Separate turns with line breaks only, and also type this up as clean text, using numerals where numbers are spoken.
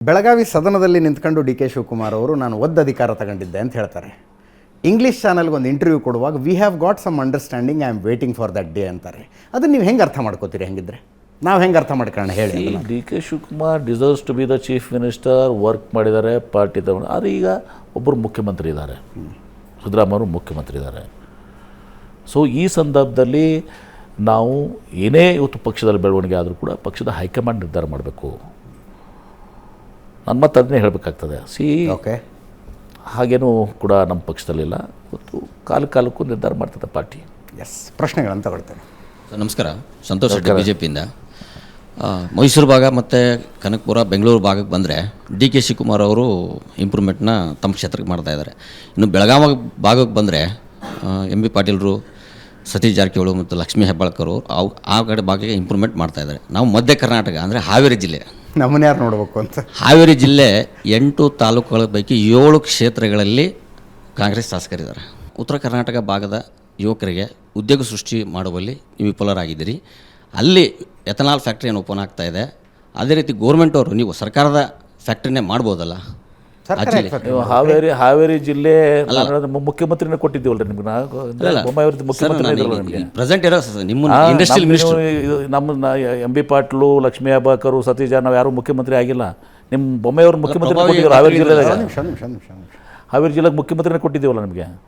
ಬೆಳಗಾವಿ ಸದನದಲ್ಲಿ ನಿಂತ್ಕೊಂಡು D K Shivakumar ಅವರು ನಾನು ಅಧಿಕಾರ ತಗೊಂಡಿದ್ದೆ ಅಂತ ಹೇಳ್ತಾರೆ. ಇಂಗ್ಲೀಷ್ ಚಾನಲ್ಗೆ ಒಂದು ಇಂಟರ್ವ್ಯೂ ಕೊಡುವಾಗ we have got some understanding, I am waiting for that day ಅಂತಾರೆ. ಅದನ್ನು ನೀವು ಹೆಂಗೆ ಅರ್ಥ ಮಾಡ್ಕೋತೀರಿ? ಹೆಂಗಿದ್ರೆ ನಾವು ಹೆಂಗೆ ಅರ್ಥ ಮಾಡ್ಕೊಳ್ಳೋಣ ಹೇಳಿ.
D K Shivakumar deserves to be the chief minister, work ಮಾಡಿದ್ದಾರೆ, ಪಾರ್ಟಿ ತಗೊಂಡು. ಆದರೆ ಈಗ ಒಬ್ಬರು ಮುಖ್ಯಮಂತ್ರಿ ಇದ್ದಾರೆ, ಸಿದ್ದರಾಮಯ್ಯವರು ಮುಖ್ಯಮಂತ್ರಿ ಇದ್ದಾರೆ. ಸೊ ಈ ಸಂದರ್ಭದಲ್ಲಿ ನಾವು ಏನೇ ಇವತ್ತು ಪಕ್ಷದಲ್ಲಿ ಬೆಳವಣಿಗೆ ಆದರೂ ಕೂಡ ಪಕ್ಷದ ಹೈಕಮಾಂಡ್ ನಿರ್ಧಾರ ಮಾಡಬೇಕು. ನನ್ನ ಮತ್ತೆ ಅದನ್ನೇ ಹೇಳಬೇಕಾಗ್ತದೆ.
ಓಕೆ,
ಹಾಗೇನೂ ಕೂಡ ನಮ್ಮ ಪಕ್ಷದಲ್ಲಿಲ್ಲ. ಇವತ್ತು ಕಾಲಕ್ಕೂ ನಿರ್ಧಾರ ಮಾಡ್ತದೆ ಪಾರ್ಟಿ.
ಎಸ್, ಪ್ರಶ್ನೆಗಳನ್ನು ತಗೊಳ್ತೇನೆ.
ನಮಸ್ಕಾರ, ಸಂತೋಷ್ ರೆಡ್ಡಿ ಬಿ ಜೆ ಪಿಯಿಂದ. ಮೈಸೂರು ಭಾಗ ಮತ್ತು ಕನಕಪುರ, ಬೆಂಗಳೂರು ಭಾಗಕ್ಕೆ ಬಂದರೆ ಡಿ ಕೆ ಶಿವಕುಮಾರ್ ಅವರು ಇಂಪ್ರೂವ್ಮೆಂಟ್ನ ತಮ್ಮ ಕ್ಷೇತ್ರಕ್ಕೆ ಮಾಡ್ತಾ ಇದ್ದಾರೆ. ಇನ್ನು ಬೆಳಗಾವಿ ಭಾಗಕ್ಕೆ ಬಂದರೆ ಎಂ ಬಿ ಪಾಟೀಲರು, ಸತೀಶ್ ಜಾರಕಿಹೊಳಿ ಮತ್ತು ಲಕ್ಷ್ಮೀ ಹೆಬ್ಬಾಳ್ಕರ್ ಆ ಕಡೆ ಭಾಗಕ್ಕೆ ಇಂಪ್ರೂವ್ಮೆಂಟ್ ಮಾಡ್ತಾ ಇದ್ದಾರೆ. ನಾವು ಮಧ್ಯ ಕರ್ನಾಟಕ ಅಂದರೆ ಹಾವೇರಿ ಜಿಲ್ಲೆ,
ನಮ್ಮನ್ನ ಯಾರು ನೋಡಬೇಕು ಅಂತ.
ಹಾವೇರಿ ಜಿಲ್ಲೆ 8 ತಾಲೂಕುಗಳ ಪೈಕಿ 7 ಕ್ಷೇತ್ರಗಳಲ್ಲಿ ಕಾಂಗ್ರೆಸ್ ಶಾಸಕರಿದ್ದಾರೆ. ಉತ್ತರ ಕರ್ನಾಟಕ ಭಾಗದ ಯುವಕರಿಗೆ ಉದ್ಯೋಗ ಸೃಷ್ಟಿ ಮಾಡುವಲ್ಲಿ ನೀವು ವಿಫಲರಾಗಿದ್ದೀರಿ. ಅಲ್ಲಿ ಎಥನಾಲ್ ಫ್ಯಾಕ್ಟ್ರಿಯನ್ನು ಓಪನ್ ಆಗ್ತಾ ಇದೆ. ಅದೇ ರೀತಿ ಗೋರ್ಮೆಂಟ್ ಅವರು ನೀವು ಸರ್ಕಾರದ ಫ್ಯಾಕ್ಟ್ರಿನೇ ಮಾಡ್ಬೋದಲ್ಲ.
ಹಾವೇರಿ ಜಿಲ್ಲೆ ಮುಖ್ಯಮಂತ್ರಿನ ಕೊಟ್ಟಿದ್ದೀವಲ್ರಿ ನಿಮ್ಗೆ.
ಪ್ರೆಸೆಂಟ್ ಇರೋ ನಿಮ್ಮ ಇಂಡಸ್ಟ್ರಿಯಲ್ ಮಿನಿಸ್ಟರ್
ನಮ್ಮ ಎಂ ಬಿ ಪಾಟೀಲು, ಲಕ್ಷ್ಮೀ ಹೆಬ್ಬಾಳ್ಕರ್, ಸತೀಶ್ ನಾವು ಯಾರು ಮುಖ್ಯಮಂತ್ರಿ ಆಗಿಲ್ಲ. ನಿಮ್ಮ ಬೊಮ್ಮೆಯವರು ಮುಖ್ಯಮಂತ್ರಿ ಕೊಟ್ಟಿದ್ದೀವಿ ಹಾವೇರಿ ಜಿಲ್ಲೆದಾಗ. ಹಾವೇರಿ ಜಿಲ್ಲೆಗೆ ಮುಖ್ಯಮಂತ್ರಿನ ಕೊಟ್ಟಿದ್ದೀವಲ್ಲ ನಿಮಗೆ.